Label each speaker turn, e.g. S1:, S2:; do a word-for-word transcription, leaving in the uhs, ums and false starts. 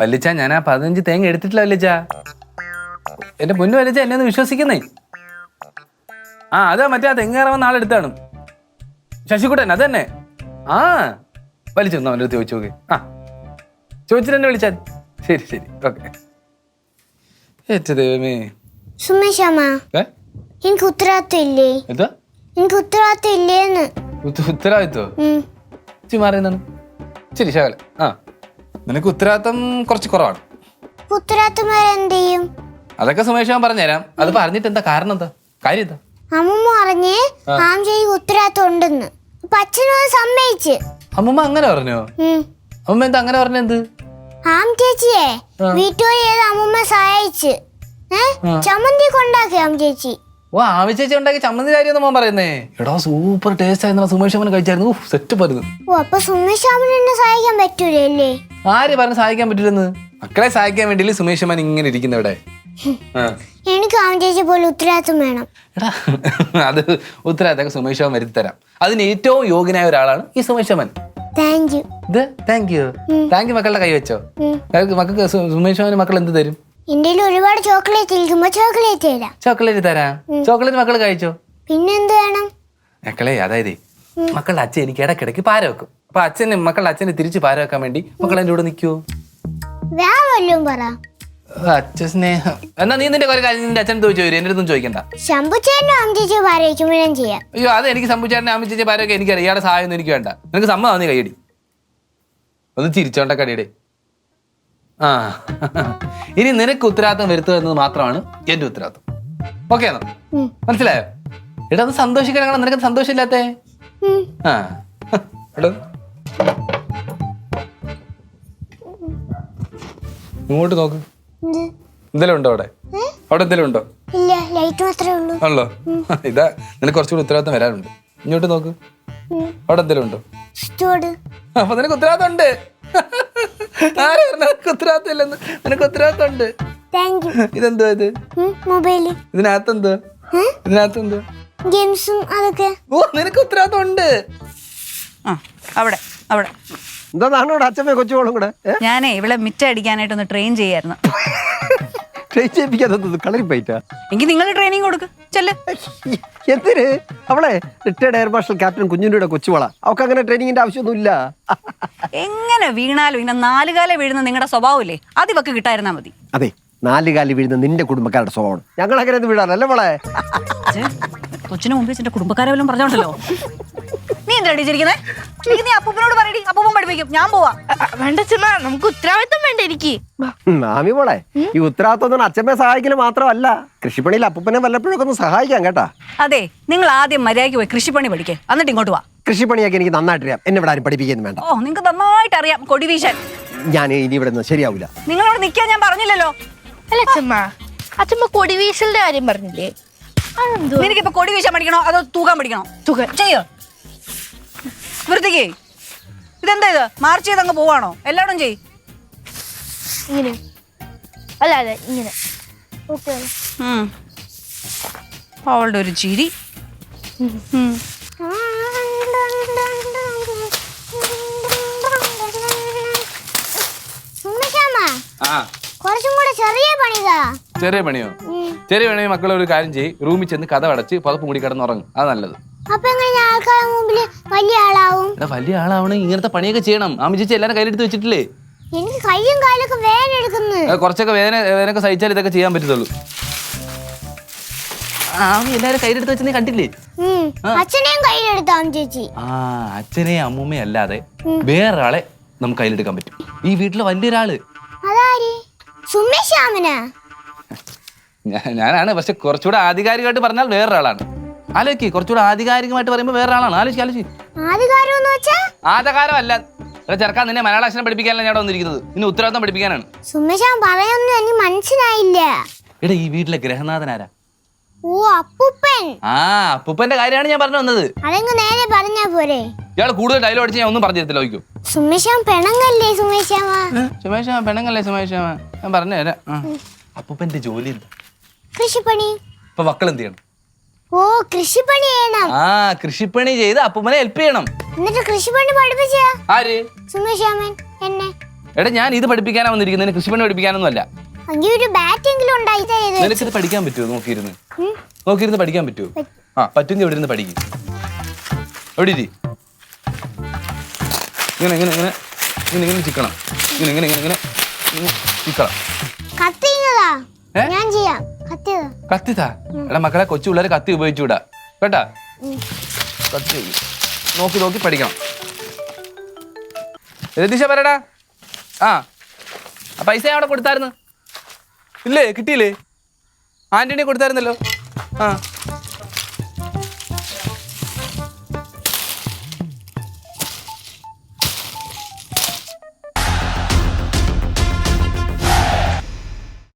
S1: വല്ലിച്ച ഞാൻ ആ പതിനഞ്ച് തേങ്ങ എടുത്തിട്ടില്ല വല്ലിച്ച. എന്റെ പൊന്നു വല്ലിച്ച എന്നെ ഒന്ന് വിശ്വസിക്കുന്നേ. ആ അതാ മറ്റേ ആ തെങ്ങേറവൻ നാളെ എടുത്താണ് ശശികുട്ടൻ, അത് തന്നെ. ആ വലിച്ചൊന്നു അവൻ്റെ അടുത്ത് ചോദിച്ചു നോക്കി. ആ ചോദിച്ചിട്ട് എന്നെ വിളിച്ചാൽ ശരി ശരി ഓക്കെ. ഏറ്റ ദൈവമേ
S2: എനിക്ക് ഉത്തരവാദിത്വം ഇല്ലേ?
S1: എന്താ
S2: എനിക്ക് ഉത്തരവാദിത്വം ഇല്ലേന്ന്?
S1: ഉത്തരവാദിത്വോ? മാറിയെന്നാണ്. ശരി ശകല. ആ നിനക്ക് ഉത്തരവാദിത്വം കുറച്ച് കുറവാണ്.
S2: ഉത്തരവാദിത്വം ചെയ്യും?
S1: അതൊക്കെ സുമേഷ് ഞാൻ പറഞ്ഞുതരാം. അത് പറഞ്ഞിട്ട് എന്താ കാരണം? എന്താ കാര്യം? എന്താ
S2: അമ്മൂമ്മ പറഞ്ഞ് ആംചേച്ചിക്ക് ഉത്തരവാദിത്വം ഉണ്ടെന്ന്. അപ്പൊ അച്ഛനും സമ്മതിച്ച്.
S1: അമ്മൂമ്മ അങ്ങനെ പറഞ്ഞോ? അമ്മൂമ്മ എന്താ അങ്ങനെ പറഞ്ഞെന്ത്?
S2: ആംചേച്ചിയെ വീട്ടുജോലി ചെയ്ത് അമ്മൂമ്മ സഹായിച്ച് ചമ്മന്തി കൊണ്ടാക്കി ആംചേച്ചി.
S1: ഓ ആമി ചേച്ചി ഉണ്ടാക്കി ചമ്മന്തി കാര്യം മോൻ പറയുന്നേ. എടാ സൂപ്പർ ടേസ്റ്റ് ആയിരുന്നു. സുമേഷ് അമ്മനെ കഴിച്ചായിരുന്നു. സെറ്റ് പരുന്നു.
S2: ഓ അപ്പൊ സുമേഷ് അമ്മനെ എന്നെ സഹായിക്കാൻ പറ്റൂലേ?
S1: ആര് പറഞ്ഞ് സഹായിക്കാൻ പറ്റില്ലെന്ന്? മക്കളെ സഹായിക്കാൻ വേണ്ടി സുമേഷ് അമ്മൻ ഇങ്ങനെ ഇരിക്കുന്ന ഇവിടെ.
S2: എനിക്ക് ആംചേച്ചി പോലെ ഉത്തരവാദിത്വം വേണം.
S1: എടാ അത് ഉത്തരവാദിത്തം സുമേഷ് അമ്മൻ വരുത്തി തരാം. അതിന് ഏറ്റവും യോഗ്യനായ ഒരാളാണ് ഈ സുമേഷ് അമ്മൻ.
S2: Thank you.
S1: ഇത് താങ്ക് യു താങ്ക് യു മക്കളുടെ കൈ വെച്ചോ. മക്കൾക്ക് സുമേഷ് അമ്മന് മക്കൾ എന്ത് തരും?
S2: എന്റെ ഒരുപാട് ചോക്ലേറ്റ് ഇരിക്കുമ്പോ ചോക്ലേറ്റ് തരാം.
S1: ചോക്ലേറ്റ് തരാം. ചോക്ലേറ്റ് മക്കൾ കഴിച്ചോ?
S2: പിന്നെന്ത് വേണം?
S1: മക്കളെ അതായത് മക്കളുടെ അച്ഛൻ എനിക്ക് ഇടയ്ക്കിടയ്ക്ക് പാര വെക്കും. അപ്പൊ അച്ഛന് മക്കളുടെ അച്ഛന് തിരിച്ച് പാര വെക്കാൻ വേണ്ടി മക്കൾ എന്റെ കൂടെ നിൽക്കുവോ?
S2: വേറെല്ലാം പറ.
S1: അച്ഛ സ്നേഹം എന്നാ നീ നിന്റെ കുറെ കാര്യം നിന്റെ അച്ഛൻ ചോദിച്ചു വരും. എന്റെ അടുത്തും ചോദിക്കണ്ട.
S2: ശംഭുച്ചേട്ടനും അമ്മച്ചേച്ചി പാര വയ്ക്കുമ്പോൾ ഞാൻ ചെയ്യാം.
S1: അയ്യോ അത് എനിക്ക് ശംഭുച്ചേട്ടനെ അമ്മച്ചേച്ചി പാര വെക്കാൻ എനിക്കറിയാം. ഇയാളുടെ സഹായം ഒന്നും എനിക്ക് വേണ്ട. നിനക്ക് സമ്മതം നീ കൈയടി ഒന്ന് ചിരിച്ചോണ്ട കടിയടെ. ആ ഇനി നിനക്ക് ഉത്തരവാദിത്തം വരുത്തുക എന്നത് മാത്രമാണ് എന്റെ ഉത്തരവാദിത്തം. ഓക്കെ ആണോ? മനസ്സിലായോ? എടാ അത് സന്തോഷിക്കണം. നിനക്ക് സന്തോഷമില്ലാത്തേ? ആ എടോ ഇങ്ങോട്ട് നോക്ക്. എന്തെങ്കിലും ഉണ്ടോ അവിടെ? അവിടെ എന്തെങ്കിലും ഉണ്ടോ? ഉള്ളോ? ഇതാ നിനക്ക് കുറച്ചുകൂടി ഉത്തരവാദിത്തം വരാനുണ്ട്. ഇങ്ങോട്ട് നോക്ക്. അവിടെ എന്തെങ്കിലും ഉണ്ടോ? അപ്പൊ നിനക്ക് ഉത്തരവാദിത്തം ഉണ്ട്. ആര് പറഞ്ഞ നിനക്ക് ഉത്തരവാദിത്തം ഇല്ലെന്ന്? നിനക്ക് ഉത്തരവാദിത്തം ഉണ്ട്. ഇതെന്തോ ഇത്? ഇതിനകത്ത് എന്തോ? ഇതിനകത്ത് എന്തോ? ഓ നിനക്ക് ഉത്തരവാദിത്തം ഉണ്ട്.
S3: അവിടെ അവിടെ
S4: എന്താ അച്ഛമ്മ കൊച്ചുമോളും കൂടെ?
S3: ഞാനേ ഇവിടെ മിറ്റ അടിക്കാനായിട്ടൊന്ന് ട്രെയിൻ ചെയ്യായിരുന്നു.
S4: ട്രെയിൻ ചെയ്യിപ്പിക്കാതെ കളരി പോയിട്ടാ?
S3: എങ്കിൽ നിങ്ങൾ ട്രെയിനിങ് കൊടുക്ക്. ചെല്ല്.
S4: എന്തിന്? അവളെ റിട്ടയർഡ് എയർ മാർഷൽ ക്യാപ്റ്റൻ കുഞ്ഞുണ്ണിയുടെ കൊച്ചുമോള. അവൾക്ക് അങ്ങനെ ട്രെയിനിങ്ങിന്റെ ആവശ്യമൊന്നുമില്ല.
S3: എങ്ങനെ വീണാലും ഇങ്ങനെ നാലുകാലം വീഴുന്ന നിങ്ങളുടെ സ്വഭാവമില്ലേ, അത് ഇവക്ക് കിട്ടായിരുന്നാ മതി.
S4: അതെ, നാലുകാലി വീഴുന്ന നിന്റെ കുടുംബക്കാരുടെ സ്വഭാവമാണ്. ഞങ്ങൾ അങ്ങനെ ഒന്നും വീഴാറല്ലേ മോളെ?
S3: കൊച്ചിന് മുമ്പ് എന്റെ കുടുംബക്കാരെ വല്ലതും പറഞ്ഞോണ്ടല്ലോ. നീ എന്താ അടിച്ചിരിക്കുന്നേ? നീ അപ്പൂപ്പനോട് പറയടി, അപ്പൂപ്പൻ പഠിപ്പിക്കും. ഞാൻ പോവാ.
S5: വേണ്ട ചുമ്മാ, നമുക്ക് ഉത്തരവാദിത്തം വേണ്ട. എനിക്ക്
S4: മാമി മോളെ, ഈ ഉത്തരവാദിത്വം അച്ഛമ്മയെ സഹായിക്കല് മാത്രമല്ല, കൃഷിപ്പണിയിൽ അപ്പൂപ്പനെ വല്ലപ്പോഴൊക്കെ ഒന്ന് സഹായിക്കാം കേട്ടാ.
S3: അതെ, നിങ്ങൾ ആദ്യം മര്യാദയ്ക്ക് പോയി കൃഷിപ്പണി പഠിക്കേ, എന്നിട്ട് ഇങ്ങോട്ട് വാ.
S4: കൃഷിപ്പണിയൊക്കെ എനിക്ക് നന്നായിട്ട് അറിയാം. എന്നെ ഇവിടെ ആരും പഠിപ്പിക്കുന്നു വേണ്ട.
S3: ഓ നിങ്ങൾക്ക് നന്നായിട്ട് അറിയാം കൊടി വീശാൻ.
S4: ഞാൻ ഇനി ഇവിടെ നിന്ന് ശരിയാവില്ല.
S3: നിങ്ങൾ ഇവിടെ നിൽക്കാൻ ഞാൻ പറഞ്ഞില്ലല്ലോ.
S5: അല്ല അച്ഛമ്മ, അച്ഛമ്മ കൊടി വീശലിന്റെ കാര്യം പറഞ്ഞില്ലേ?
S3: നിനക്കിപ്പോ കൊടി വീശാൻ പഠിക്കണോ അതോ തൂക്കാൻ പഠിക്കണോ? തൂക്കാൻ ചെയ്യോ? വൃത്തിക്ക് ഇതെന്താ ഇത്? മാർച്ച് ചെയ്ത് അങ്ങ് പോവാണോ? എല്ലാവരും ചെയ്.
S5: ഇങ്ങനെ അല്ല അതെ ഇങ്ങനെ.
S3: അവളുടെ ഒരു ചിരി.
S2: കുറച്ചും കൂടെ ചെറിയ പണിതാ.
S1: ചെറിയ പണിയോ? ചെറിയ പണി മക്കളെ ഒരു കാര്യം ചെയ്യ്. റൂമിൽ ചെന്ന് കഥ അടച്ച് പതപ്പ് മൂടി കിടന്ന് ഉറങ്ങും. അത് നല്ലത്.
S2: അപ്പൊ എങ്ങനെ ആൾക്കാരുടെ മുമ്പില് വലിയ ആളാവും?
S1: വലിയ ആളാവണേ ഇങ്ങനത്തെ പണിയൊക്കെ ചെയ്യണം. ആമി ചേച്ചി എല്ലാരും കയ്യിലെടുത്ത് വെച്ചിട്ടില്ലേ?
S2: എനിക്ക് കയ്യും കാലൊക്കെ വേദന എടുക്കുന്നു.
S1: കുറച്ചൊക്കെ വേദന വേദനയൊക്കെ സഹിച്ചാൽ ഇതൊക്കെ ചെയ്യാൻ പറ്റത്തുള്ളൂ. ആമി എല്ലാരും കയ്യിലെടുത്ത് വെച്ച് നീ കണ്ടില്ലേ?
S2: അച്ഛനെയും കയ്യിലെടുത്താം ചേച്ചി.
S1: ആ അച്ഛനെയും അമ്മൂമ്മയും അല്ലാതെ വേറൊരാളെ നമുക്ക് കയ്യിലെടുക്കാൻ പറ്റും. ഈ വീട്ടിലെ വലിയൊരാള്.
S2: അതാര്? സുമേഷാമനാ?
S1: ഞാനാണ്, പക്ഷെ കുറച്ചുകൂടെ ആധികാരികമായിട്ട് പറഞ്ഞാൽ വേറൊരാളാണ്. ആലോചിക്ക്, കുറച്ചുകൂടെ ആധികാരികമായിട്ട് പറയുമ്പോൾ വേറൊരാളാണ്. ആലോചിക്ക് ആലോചിക്ക്. ആധികാരം അല്ല ചെറുക്കാൻ. നിന്നെ മലയാള അക്ഷരം പഠിപ്പിക്കാനല്ല ഞാൻ വന്നിരിക്കുന്നത്. നിന്നെ ഉത്തരവാദിത്തം പഠിപ്പിക്കാനാണ്.
S2: സുമേഷാൻ പറയുന്നത് എനിക്ക് മനസ്സിലായില്ല.
S1: എടാ ഈ വീട്ടിലെ ഗ്രഹനാഥനാരാ?
S2: ഓ അപ്പൂപ്പൻ.
S1: ആ അപ്പൂപ്പന്റെ കാര്യമാണ് ഞാൻ പറഞ്ഞു വന്നത്.
S2: അതെങ്ങ് നേരെ പറഞ്ഞാ പോരെ?
S1: ഇയാള് കൂടുതൽ ഡയലോഗ് അടിച്ച് ഞാൻ ഒന്നും പറഞ്ഞു തരത്തില്ല. നോക്കൂ,
S2: സുമേഷാൻ പെണങ്ങല്ലേ സുമേഷാമ?
S1: സുമേഷാമ പെണങ്ങല്ലേ സുമേഷാമ? ഞാൻ പറഞ്ഞു തരാം. അപ്പൂപ്പന്റെ ജോലി എന്താ?
S2: കൃഷിപ്പണി.
S1: ഇപ്പൊ മക്കൾ എന്ത് ചെയ്യണം?
S2: ഓ കൃഷിപ്പണി ചെയ്യണം.
S1: ആ കൃഷിപ്പണി ചെയ്ത് അപ്പൂപ്പനെ ഹെൽപ്പ് ചെയ്യണം.
S2: എന്നിട്ട് കൃഷിപ്പണി പഠിപ്പിച്ച
S1: ആര്?
S2: സുമേഷാമൻ എന്നെ.
S1: എടാ ഞാൻ ഇത് പഠിപ്പിക്കാനാ വന്നിരിക്കുന്നത്, കൃഷിപ്പണി പഠിപ്പിക്കാനൊന്നും അല്ല.
S2: അങ്ങനെ ഒരു ബാറ്റെങ്കിലും ഉണ്ടായി തരരുത്.
S1: നിനക്കിത് പഠിക്കാൻ പറ്റുമോ? നോക്കിയിരുന്ന് നോക്കിയിരുന്ന് പഠിക്കാൻ പറ്റുമോ? ആ പറ്റുമെങ്കിൽ ഇവിടെ ഇരുന്ന് പഠിക്കും. എവിടെ ഇരി. ഇങ്ങനെ ഇങ്ങനെ ഇങ്ങനെ ഇങ്ങനെ ഇങ്ങനെ ചിക്കണം. ഇങ്ങനെ ഇങ്ങനെ ഇങ്ങനെ ഇങ്ങനെ ചിക്കണം.
S2: കത്തിങ്ങതാ
S1: ഏ?
S2: ഞാൻ ചെയ്യാം. കത്തിയതാ.
S1: കത്തിത്താ. എടാ മക്കളെ, കൊച്ചു പിള്ളേർ കത്തി ഉപയോഗിച്ചുകൂടാ കേട്ടാ. കത്തി നോക്കി നോക്കി പഠിക്കണം. രതീഷ പറയടാ. ആ പൈസ ഞാൻ അവിടെ കൊടുത്തായിരുന്നു. ഇല്ലേ, കിട്ടിയില്ലേ? ആന്റണി കൊടുത്തായിരുന്നല്ലോ. ആ